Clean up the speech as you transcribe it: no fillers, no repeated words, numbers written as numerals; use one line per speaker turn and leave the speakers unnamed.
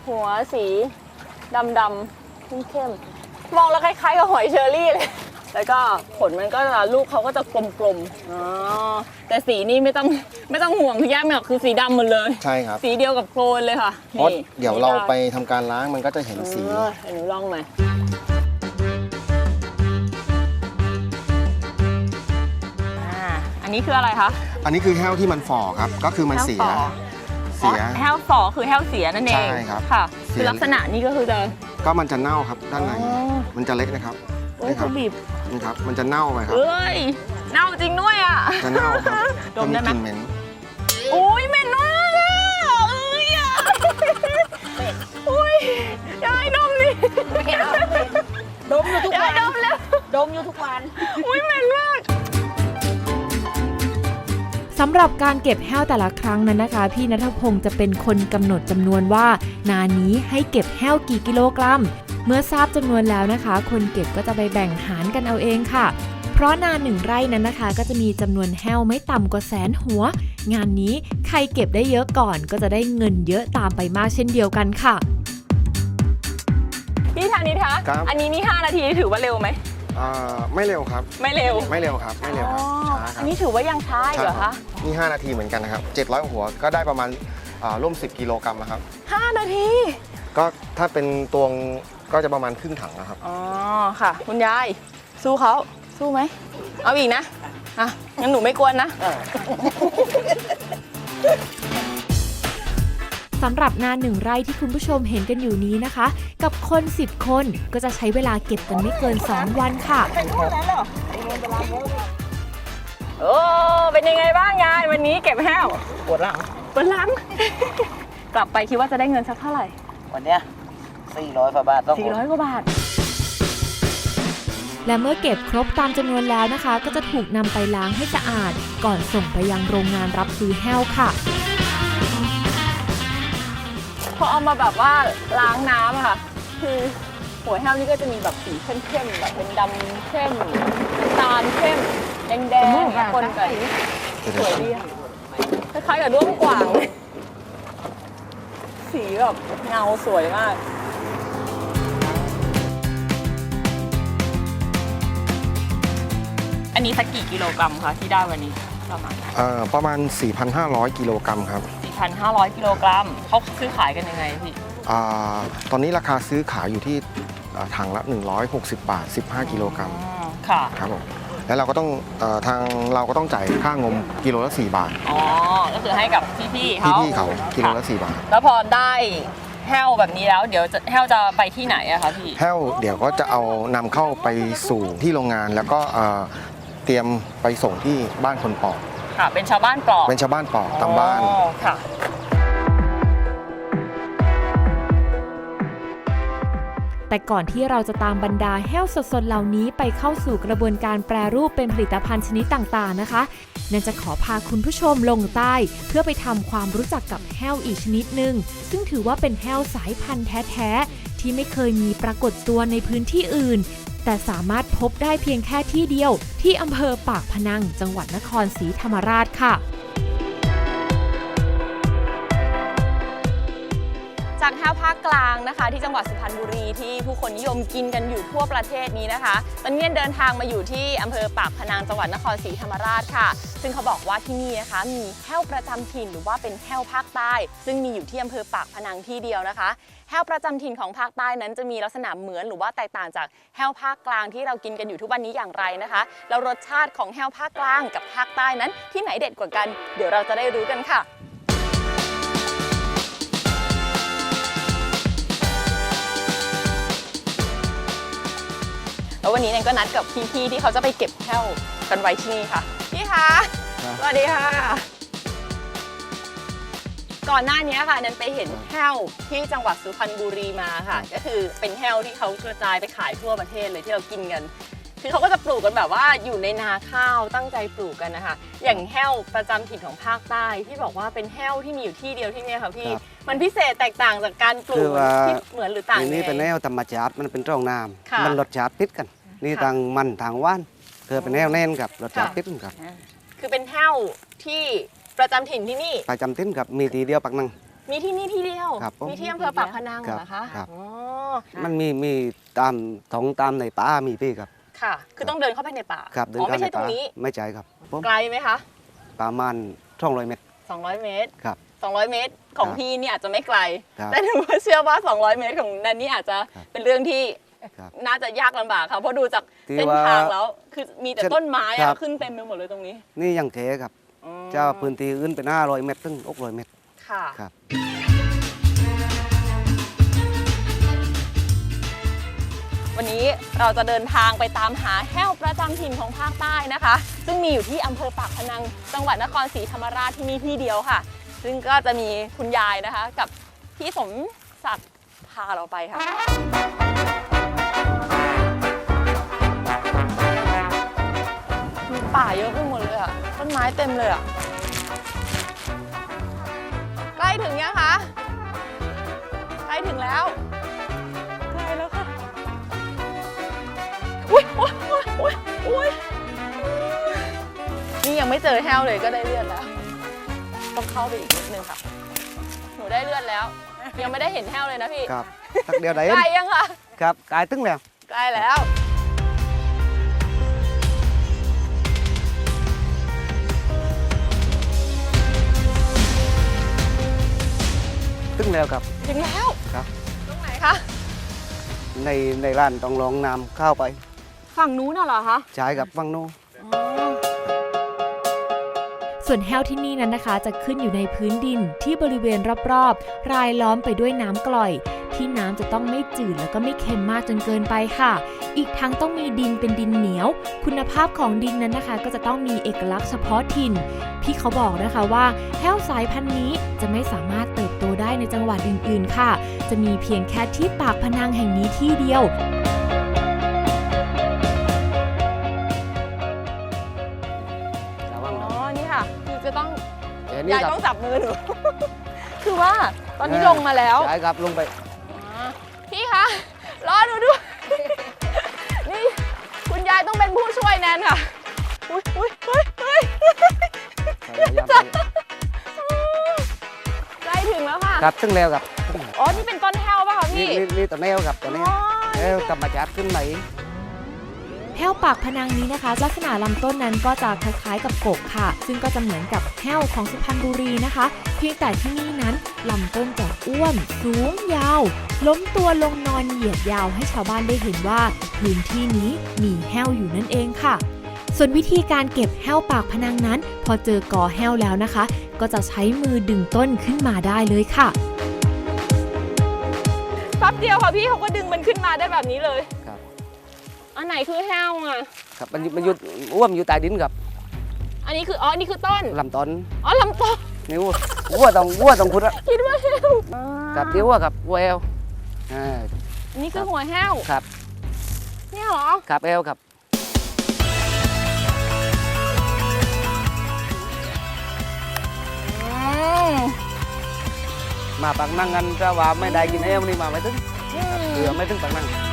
หัวสีดำเข้มๆมองแล้วคล้ายๆกับหอยเชอรี่เลยแล้วก็ผลมันก็จะลูกเขาก็จะกลมๆอ๋อแต่สีนี่ไม่ต้องห่วงคือย่าไม่หรอกคือสีดำหมดเลย
ใช่ครับ
สีเดียวกับโคลนเลยค่ะ
เพราะเดี๋ยวเราไปทำการล้างมันก็จะเห็นสี
หนูลองมาอันนี้คืออะไรคะ
อันนี้คือแห้วที่มันฝ่อครับก็คือมันเสีย
แห้วฝ่อคือแห้วเสียนั่นเอง
ใช่ครับ
ค่ะคือลักษณะนี้ก็คือ
ก็มันจะเน่าครับด้านในมันจะเล็กนะครับ
นี่ครับ
นี่ครับมันจะเน่าไปครับ
เอ้ยเน่าจริงด้วยอ่ะ
จะเน่าครับ
ดมได้ไหม
เหม็น
อุ้ยเหม็นมากอ่ะเอ้ยอ่ะอุ้ยยายดมดิ
ดมอยู่ทุกวัน
ดมแล้ว
ดมอยู่ทุกวัน
อุ้ยเหม็นมาก
สำหรับการเก็บแห้วแต่ละครั้งนั้นนะคะพี่ณัฐพงศ์จะเป็นคนกำหนดจำนวนว่านานี้ให้เก็บแห้วกี่กิโลกรัมเมื่อทราบจำนวนแล้วนะคะคนเก็บก็จะไปแบ่งหารกันเอาเองค่ะเพราะนา1 ไร่นั้นนะคะก็จะมีจำนวนแห้วไม่ต่ำกว่า100,000 หัวงานนี้ใครเก็บได้เยอะก่อนก็จะได้เงินเยอะตามไปมากเช่นเดียวกันค่ะ
พี่ธานิทคะอันนี้นี่5 นาทีถือว่าเร็วไหม
ไม่เร็วครับ
ไม่เร็ว
ครับไม่เร็วครับช้าครับ
อันนี้ถือว่ายังช้าเหรอคะ
นี่5 นาทีเหมือนกันนะครับ700 หัวก็ได้ประมาณร่วม10 กิโลกรัมนะครับ
5 นาที
ก็ถ้าเป็นตวงก็จะประมาณครึ่งถังนะครับ
อ๋อค่ะคุณยายสู้เขาสู้ไหมเอาอีกนะงั้นหนูไม่กวนนะ
สำหรับนา1 ไร่ที่คุณผู้ชมเห็นกันอยู่นี้นะคะกับคน10 คนก็จะใช้เวลาเก็บกันไม่เกิน2 วันค่ะ
โอ้เป็นยังไงบ้างยายวันนี้เก็บแห้ว
ปวดหลัง
กลับไปคิดว่าจะได้เงินสักเท่าไหร่
วันเนี้ย400 กว่าบาท
400 กว่าบาท
และเมื่อเก็บครบตามจำนวนแล้วนะคะก็จะถูกนำไปล้างให้สะอาดก่อนส่งไปยังโรงงานรับซื้อแห้วค่ะ
พอเอามาแบบว่าล้างน้ำอะค่ะคือหัวแห้วนี่ก็จะมีแบบสีเข้มๆแบบเป็นดำเข้มน้ำตาลเข้มแดงๆคนกันสวยดีคล้ายๆกับด้วงกว่างสีแบบเงาสวยมากอันนี้สักกี่กิโลกรัมคะที่ได้วันนี้
ประมาณ 4,500 กิโลกรัมครับ
4,500 กิโลกรัมเขาซื้อขายกันยังไงพี่
ตอนนี้ราคาซื้อขายอยู่ที่ถังละ160 บาท15 กิโลกรัม
ค่ะ
ครับผมแล้วเราก็ต้องทางเราก็ต้องจ่ายค่างมกิโลละ4 บาท
อ๋อก็คือให้กับพี่เขา
กิโลละ4 บาท
แล้วพอได้แห้วแบบนี้แล้วเดี๋ยวแห้วจะไปที่ไหนอะคะพี่
แห้วเดี๋ยวก็จะเอานำเข้าไปสู่ที่โรงงานแล้วก็เตรียมไปส่งที่บ้านคนปอก
ค่ะเป็นชาวบ้านปอก
เป็นชาวบ้านปอกตามบ้าน
ค่ะ
แต่ก่อนที่เราจะตามบรรดาแห้วสดๆเหล่านี้ไปเข้าสู่กระบวนการแปรรูปเป็นผลิตภัณฑ์ชนิดต่างๆนะคะนั่นจะขอพาคุณผู้ชมลงใต้เพื่อไปทำความรู้จักกับแห้วอีกชนิดหนึ่งซึ่งถือว่าเป็นแห้วสายพันธุ์แท้ๆที่ไม่เคยมีปรากฏตัวในพื้นที่อื่นแต่สามารถพบได้เพียงแค่ที่เดียวที่อำเภอปากพนังจังหวัดนครศรีธรรมราชค่ะ
จากแห้วภาคกลางนะคะที่จังหวัดสุพรรณบุรีที่ผู้คนนิยมกินกันอยู่ทั่วประเทศนี้นะคะตอนนี้เดินทางมาอยู่ที่อำเภอปากพนังจังหวัดนครศรีธรรมราชค่ะซึ่งเขาบอกว่าที่นี่นะคะมีแห้วประจำถิ่นหรือว่าเป็นแห้วภาคใต้ซึ่งมีอยู่ที่อำเภอปากพนังที่เดียวนะคะแห้วประจำถิ่นของภาคใต้นั้นจะมีลักษณะเหมือนหรือว่าแตกต่างจากแห้วภาคกลางที่เรากินกันอยู่ทุกวันนี้อย่างไรนะคะแล้วรสชาติของแห้วภาคกลางกับภาคใต้นั้นที่ไหนเด็ดกว่ากันเดี๋ยวเราจะได้รู้กันค่ะแล้ววันนี้แนนก็นัดกับพี่ๆที่เขาจะไปเก็บแห้วกันไว้ที่นี่ค่ะพี่คะสวัสดีค่ะก่อนหน้านี้ค่ะแนนไปเห็นแห้วที่จังหวัดสุพรรณบุรีมาค่ะก็คือเป็นแห้วที่เขากระจายไปขายทั่วประเทศเลยที่เรากินกันคือเขาก็จะปลูกกันแบบว่าอยู่ในนาข้าวตั้งใจปลูกกันนะคะอย่างแห้วประจำถิ่นของภาคใต้ที่บอกว่าเป็นแห้วที่มีอยู่ที่เดียวที่นี่ค่ะพี่มันพิเศษแตกต่างจากการปลูกที่เหมือนหรือต่าง
นี่เป็นแห้วธรรมชาติมันเป็นร่องน้ำมันรสชาติติดกันนี่ทางมันทางว่านคือเป็นแห้วแน่นกับรสชาติติดกันครับ
คือเป็นแห้วที่ประจำถิ่นที่นี่
ประจำถิ่นกับมีทีเดียวปักนัง
มีที่นี่ที่เดียว
ครับผม
มีที่อำเภอปากพนังเหรอคะ
ครับ
อ๋อ
มันมีตามท้องตามในป่ามีพี่ครับ
ค่ะ คือต้องเดินเข้าไปในป่า
ครับเดิน
อ๋อ
เข้า
ไม่
ใน
ใช่ตร
ป่าง
นี้
ไม่ใช่ครับผม
ไกลไหมคะ
ประมาณ200 เมตร
200 เมตร
ครับ
200 เมตรของ
ครับ
พี่นี่อาจจะไม่ไกล
ครับ
แต่หนูเชื่อว่า 200 เมตรของนันนี่อาจจะ
ครับ
เป็นเรื่องที่
ครับ
น่าจะยากลำบากค่ะเพราะดูจาก
ที่
เส้น
ว่า
ทางแล้ว คือมีแต่ต้นไม้
ครั
อะ
บ
ขึ้นเต็มไปหมดเลยตรงนี้
นี่ยังเทครับ
อืม
เจ้าพื้นที่อื่นเป็น500 เมตรถึง600 เมตร
ค่ะ
ครับ
วันนี้เราจะเดินทางไปตามหาแห้วประจำถิ่นของภาคใต้นะคะ ซึ่งมีอยู่ที่อำเภอปากพนังจังหวัดนครศรีธรรมราชที่นี่ที่เดียวค่ะ ซึ่งก็จะมีคุณยายนะคะ กับพี่สมศักดิ์พาเราไปค่ะมีป่าเยอะไปหมดเลยอะต้นไม้เต็มเลยอะใกล้ถึงยังคะใกล้ถึงแล้วใกล้แล้วค่ะ อุ๊ยอุ๊ยอุ๊ยอุ๊ยอุ๊ยนี่ยังไม่เจอแห้วเลยก็ได้เลือดแล้ว ต้องเข้าไปอีกนิดนึงค่ะ หนูได้เลือดแล้ว ยังไม่ได้เห็นแห้วเลยนะพี่
ครับทักเดียวได้
ใกล้ยังคะ
ครับกายตึ้งแล้ว
ใกล้แล้ว
ตึ้งแล้วครับ
ถึงแล้ว
ครับ
ตรงไหนคะ
ในร้านต้องลองนำเข้าไป
ฝั่งนู้นน่ะเหรอคะ
ใช้กับฟังโน้น
ส่วนแห้วที่นี่นั้นนะคะ จะขึ้นอยู่ในพื้นดินที่บริเวณรอบๆ รายล้อมไปด้วยน้ำกร่อย ที่น้ำจะต้องไม่จืดแล้วก็ไม่เค็มมากจนเกินไปค่ะ อีกทั้งต้องมีดินเป็นดินเหนียว คุณภาพของดินนั้นนะคะ ก็จะต้องมีเอกลักษณ์เฉพาะถิ่น พี่เขาบอกนะคะว่าแห้วสายพันธุ์นี้จะไม่สามารถเติบโตได้ในจังหวัดอื่นๆค่ะ จะมีเพียงแค่ที่ปากพนังแห่งนี้ที่เดียว
ระวัง
อ๋อ นี่ค่ะ คือจะต้อง
เดี๋ยวนี้
ยาย
ครับ
ต้องจับมือหนู คือว่าตอนนี้ลงมาแล้ว
ใช้ครับลงไป
พี่คะรอหนูด้วย นี่คุณยายต้องเป็นผู้ช่วยแนนค่ะ อุ้ยอุ้ยอุ้ยอุ้ย
พยายามไป
ใกล้ถึงแล้วค่ะ
ครับตึ้งแล้วครับ
อ๋อ นี่เป็นต้นแห้วป่ะคะ
นี่
พี่
นี่ตัวแนวครับตัวแนว
อ๋อ
แล้วธรรมชาติขึ้นไหน
แห้วปากพนังนี้นะคะ ลักษณะลำต้นนั้นก็จะคล้ายๆกับกบค่ะ ซึ่งก็จะเหมือนกับแห้วของสุพรรณบุรีนะคะ เพียงแต่ที่นี่นั้นลำต้นจะอ้วนสูงยาว ล้มตัวลงนอนเหยียดยาวให้ชาวบ้านได้เห็นว่าพื้นที่นี้มีแห้วอยู่นั่นเองค่ะ ส่วนวิธีการเก็บแห้วปากพนังนั้น พอเจอกอแห้วแล้วนะคะ ก็จะใช้มือดึงต้นขึ้นมาได้เลยค่ะ
แป๊บเดียวค่ะพี่เขาก็ดึงมันขึ้นมาได้แบบนี้เลย
ครับ
อันไหนคือแห้วอ่ะ
ครับมันอยู่อ้วมอยู่ใต้ดินครับ
อันนี้คืออ๋อ นี่คือต้น
ลำต้น
อ๋อลำต้น
นี่วัวต้องขุดอะ
คิดว่าแห้ว
ครับเดี๋ยววัวครับวัวเอล
นี่คือหัวแห้ว
ครับ
เนี่ยเหรอ
ครับเอลครับ
อืม
มาปักนั่งกันจะว่าไม่ได้กินเอลนี่มาไม่ถึงเผื่อไม่ถึงปักนั่ง